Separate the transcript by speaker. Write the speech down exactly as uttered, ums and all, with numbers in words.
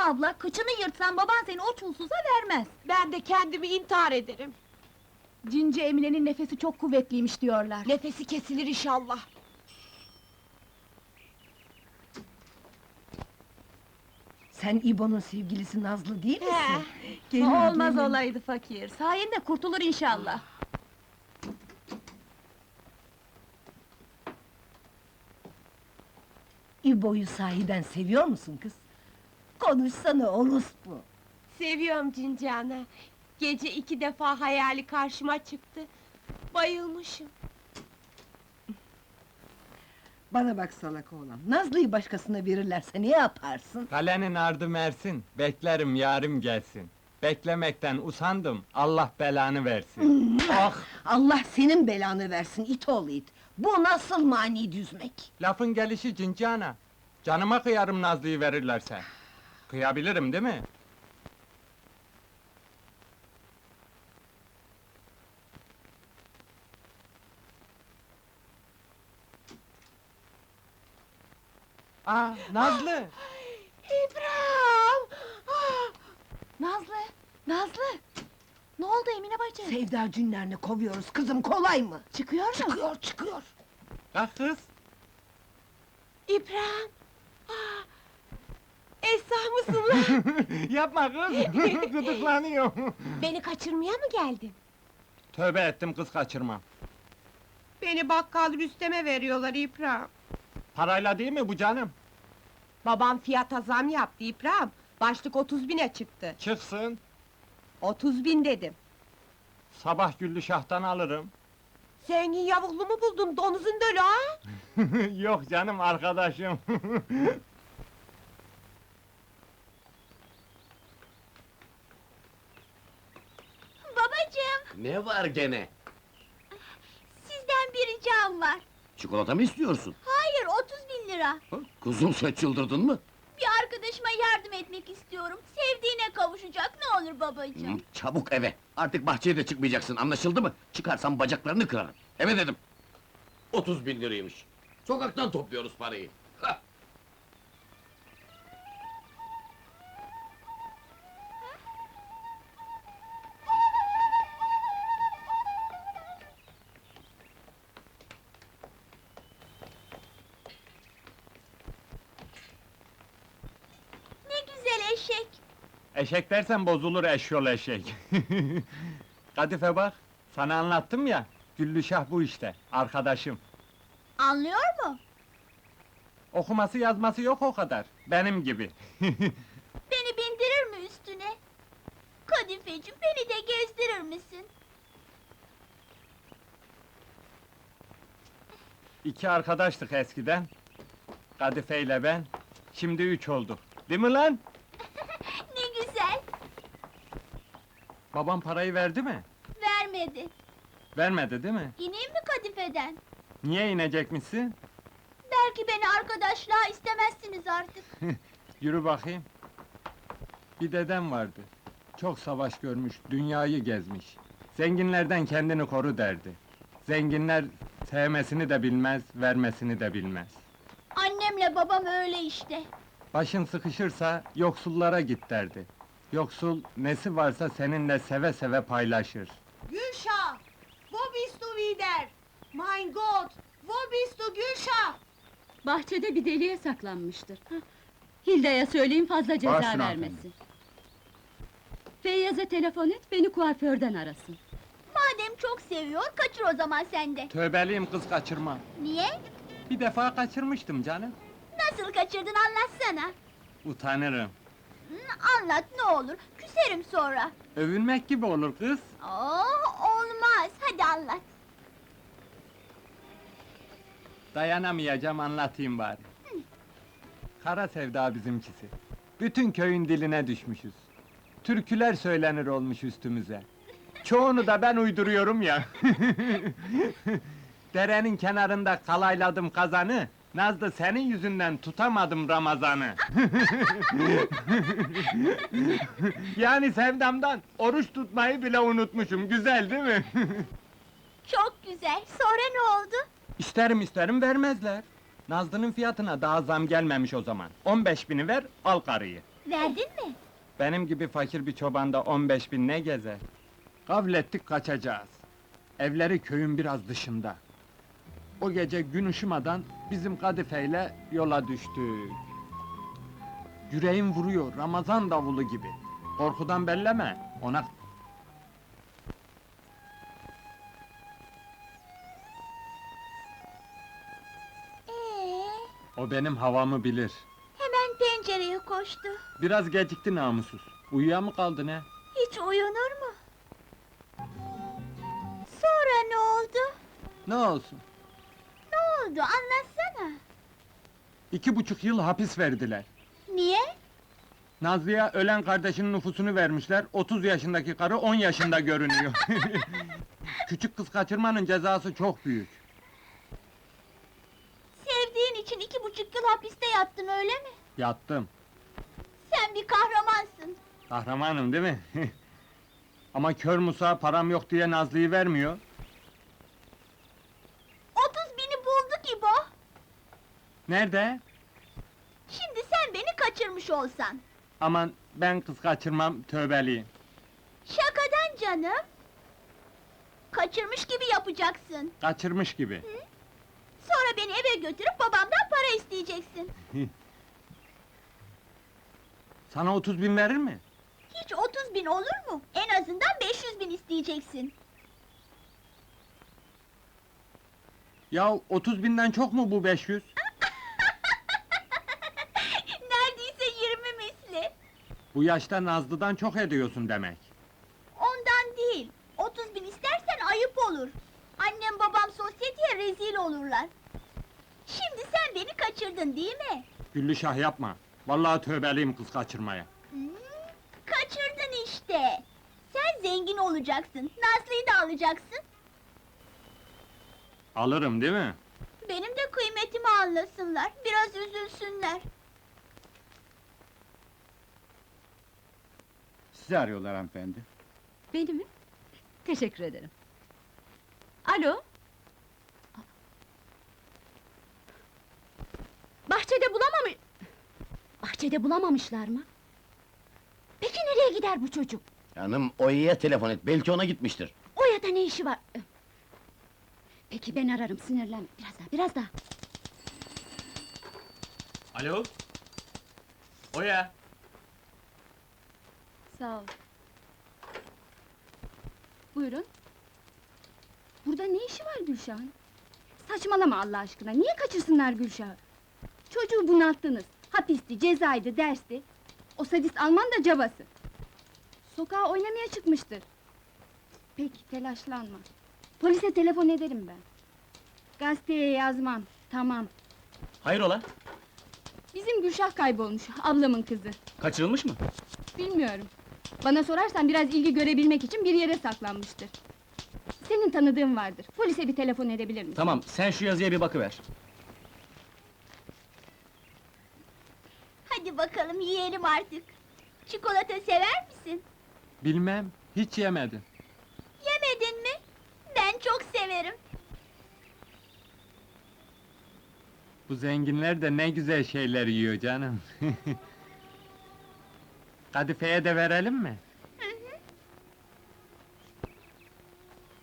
Speaker 1: abla, kıçını yırtsan baban seni o çulsuza vermez.
Speaker 2: Ben de kendimi intihar ederim.
Speaker 1: Cinci Emine'nin nefesi çok kuvvetliymiş diyorlar.
Speaker 2: Nefesi kesilir inşallah.
Speaker 3: Sen İbo'nun sevgilisi Nazlı değil misin?
Speaker 2: He.
Speaker 3: Gelin,
Speaker 1: Olmaz
Speaker 3: gelin.
Speaker 1: olaydı fakir. Sayende kurtulur inşallah.
Speaker 3: İbo'yu sahiden seviyor musun kız? Konuşsana orospu!
Speaker 2: Seviyorum Cinci ana. Gece iki defa hayali karşıma çıktı. Bayılmışım.
Speaker 3: Bana bak salak oğlan, Nazlı'yı başkasına verirlerse ne yaparsın?
Speaker 4: Kalenin ardı Mersin, beklerim yarim gelsin. Beklemekten usandım, Allah belanı versin. Oh!
Speaker 3: Allah senin belanı versin it oğlu it! Bu nasıl mani düzmek?
Speaker 4: Lafın gelişi Cinci ana. Canıma kıyarım Nazlı'yı verirlerse. Kıyabilirim değil mi? Aa, Nazlı!
Speaker 2: İbrahim! Ah!
Speaker 1: Nazlı, Nazlı! Ne oldu Emine bacı?
Speaker 3: Sevda cünlerini kovuyoruz kızım, kolay mı?
Speaker 1: Çıkıyor mu?
Speaker 3: Çıkıyor, çıkıyor!
Speaker 4: Kalk kız!
Speaker 2: İbrahim! Ah! Esra mısın lan?
Speaker 4: Yapma kız! Gıdıklanıyor!
Speaker 2: Beni kaçırmaya mı geldin?
Speaker 4: Tövbe ettim, kız kaçırmam.
Speaker 2: Beni bakkal Rüstem'e veriyorlar İbrahim.
Speaker 4: Parayla değil mi bu canım?
Speaker 2: Babam fiyata zam yaptı İbrahim. Başlık otuz bine çıktı.
Speaker 4: Çıksın,
Speaker 2: Otuz bin dedim.
Speaker 4: sabah Güllüşah'tan alırım.
Speaker 2: Zengin yavuklu mu buldun, donuzun dölü ha?
Speaker 4: Yok canım, arkadaşım.
Speaker 1: Babacığım,
Speaker 5: Ne var gene?
Speaker 1: sizden bir ricam var.
Speaker 5: Çikolata mı istiyorsun?
Speaker 1: Hayır, otuz bin lira.
Speaker 5: Ha? Kuzum sen çıldırdın mı?
Speaker 1: Bir arkadaşıma yardım etmek istiyorum. Sevdiğine kavuşacak, ne olur babacığım.
Speaker 5: Hı, çabuk eve! Artık bahçeye de çıkmayacaksın, anlaşıldı mı? Çıkarsan bacaklarını kırarım. Eve dedim! Otuz bin liraymış. Sokaktan topluyoruz parayı. Hah!
Speaker 1: Ne güzel eşek!
Speaker 4: Eşek dersen bozulur eşyol eşek. Kadife bak, sana anlattım ya, Güllüşah bu işte, arkadaşım.
Speaker 1: Anlıyor mu?
Speaker 4: Okuması yazması yok o kadar, benim gibi.
Speaker 1: Beni bindirir mi üstüne? Kadifeciğim, beni de gezdirir misin?
Speaker 4: İki arkadaştık eskiden. Kadife ile ben, şimdi üç olduk. Değil mi lan?
Speaker 1: Ne güzel!
Speaker 4: Babam parayı verdi mi?
Speaker 1: Vermedi.
Speaker 4: Vermedi değil mi?
Speaker 1: İneyim mi kadifeden?
Speaker 4: Niye inecekmişsin?
Speaker 1: Belki beni arkadaşlığa istemezsiniz artık.
Speaker 4: Yürü bakayım. Bir dedem vardı. Çok savaş görmüş, dünyayı gezmiş. Zenginlerden kendini koru derdi. Zenginler sevmesini de bilmez, vermesini de bilmez.
Speaker 1: Annemle babam öyle işte.
Speaker 4: Başın sıkışırsa yoksullara git derdi. Yoksul nesi varsa seninle seve seve paylaşır.
Speaker 2: Gülşah! Wo bist du wieder? Mein Gott! Wo bist du Gülşah?
Speaker 6: Bahçede bir deliğe saklanmıştır. Hah, Hilda'ya söyleyin fazla ceza
Speaker 4: Başüstüne
Speaker 6: vermesin. Feyyaz'a telefon et, beni kuaförden arasın.
Speaker 1: Madem çok seviyor, kaçır o zaman sen de.
Speaker 4: Tövbeliyim kız kaçırmam.
Speaker 1: Niye?
Speaker 4: Bir defa kaçırmıştım canım.
Speaker 1: Nasıl kaçırdın anlatsana.
Speaker 4: Utanırım.
Speaker 1: Hı, anlat ne olur, küserim sonra.
Speaker 4: Övünmek gibi olur kız.
Speaker 1: Oh, olmaz, hadi anlat.
Speaker 4: Dayanamayacağım, anlatayım bari. Kara sevda bizimkisi. Bütün köyün diline düşmüşüz. Türküler söylenir olmuş üstümüze. Çoğunu da ben uyduruyorum ya. Derenin kenarında kalayladım kazanı, Nazlı senin yüzünden tutamadım Ramazan'ı. Yani sevdamdan oruç tutmayı bile unutmuşum, güzel değil mi?
Speaker 1: Çok güzel, sonra ne oldu?
Speaker 4: İsterim isterim vermezler. Nazlı'nın fiyatına daha zam gelmemiş o zaman. On beş bini ver, al karıyı.
Speaker 1: Verdin mi?
Speaker 4: Benim gibi fakir bir çobanda on beş bin ne gezer? Gavlettik kaçacağız. Evleri köyün biraz dışında. O gece gün ışımadan bizim kadifeyle yola düştük. Yüreğim vuruyor, Ramazan davulu gibi. Korkudan belleme, ona...
Speaker 1: Ee,
Speaker 4: O benim havamı bilir.
Speaker 1: hemen pencereye koştu.
Speaker 4: Biraz gecikti namussuz. Uyuya mı kaldı ne?
Speaker 1: Hiç uyunur mu? Sonra ne oldu?
Speaker 4: Ne olsun?
Speaker 1: Ne oldu anlatsana.
Speaker 4: İki buçuk yıl hapis verdiler.
Speaker 1: Niye?
Speaker 4: Nazlı'ya ölen kardeşinin nüfusunu vermişler, otuz yaşındaki karı on yaşında görünüyor. Küçük kız kaçırmanın cezası çok büyük.
Speaker 1: Sevdiğin için iki buçuk yıl hapiste yattın öyle mi?
Speaker 4: Yattım.
Speaker 1: Sen bir kahramansın.
Speaker 4: Kahramanım değil mi? Ama kör Musa param yok diye Nazlı'yı vermiyor.
Speaker 1: Otuz bini buldu İbo.
Speaker 4: Nerede?
Speaker 1: Şimdi sen beni kaçırmış olsan.
Speaker 4: Aman ben kız kaçırmam, tövbeliyim.
Speaker 1: Şakadan canım. Kaçırmış gibi yapacaksın.
Speaker 4: Kaçırmış gibi.
Speaker 1: Sonra beni eve götürüp babamdan para isteyeceksin.
Speaker 4: Sana otuz bin verir mi?
Speaker 1: Hiç otuz bin olur mu? En azından beş yüz bin isteyeceksin.
Speaker 4: Ya otuz binden çok mu bu beş yüz?
Speaker 1: Neredeyse yirmi misli.
Speaker 4: Bu yaşta Nazlı'dan çok ediyorsun demek.
Speaker 1: Ondan değil. Otuz bin istersen ayıp olur. Annem babam sosyeteye rezil olurlar. Şimdi sen beni kaçırdın değil mi?
Speaker 4: Güllüşah yapma. Vallahi tövbeliyim kız kaçırmaya.
Speaker 1: Hmm, kaçırdın işte. Sen zengin olacaksın. Nazlı'yı da alacaksın.
Speaker 4: Alırım değil mi?
Speaker 1: Benim de kıymetimi anlasınlar. Biraz üzülsünler.
Speaker 7: Sizi arıyorlar hanımefendi.
Speaker 6: Beni mi? Teşekkür ederim. Alo? Bahçede bulamamış... Bahçede bulamamışlar mı? Peki nereye gider bu çocuk?
Speaker 5: Hanım, Oya'ya telefon et, belki ona gitmiştir.
Speaker 6: O ya da ne işi var? Peki ben ararım, sinirlenme. Biraz daha, biraz daha.
Speaker 8: Alo? Oya!
Speaker 6: Sağ ol. Buyurun. Burada ne işi var Gülşah'ın? Saçmalama Allah aşkına, niye kaçırsınlar Gülşah'ı? Çocuğu bunalttınız. Hapisti, cezaydı, dersti. O sadist Alman da cabası. Sokağa oynamaya çıkmıştır. Peki, telaşlanma. Polise telefon ederim ben. Gazeteye yazmam, tamam.
Speaker 8: Hayrola?
Speaker 6: Bizim Gülşah kaybolmuş, ablamın kızı.
Speaker 8: Kaçırılmış mı?
Speaker 6: Bilmiyorum. Bana sorarsan biraz ilgi görebilmek için bir yere saklanmıştır. Senin tanıdığın vardır. Polise bir telefon edebilir misin?
Speaker 8: Tamam, sen şu yazıya bir bakıver.
Speaker 1: Hadi bakalım yiyelim artık. Çikolata sever misin?
Speaker 4: Bilmem, hiç yemedim.
Speaker 1: Yemedin mi? Ben çok severim.
Speaker 4: Bu zenginler de ne güzel şeyler yiyor canım. Kadife'ye de verelim mi?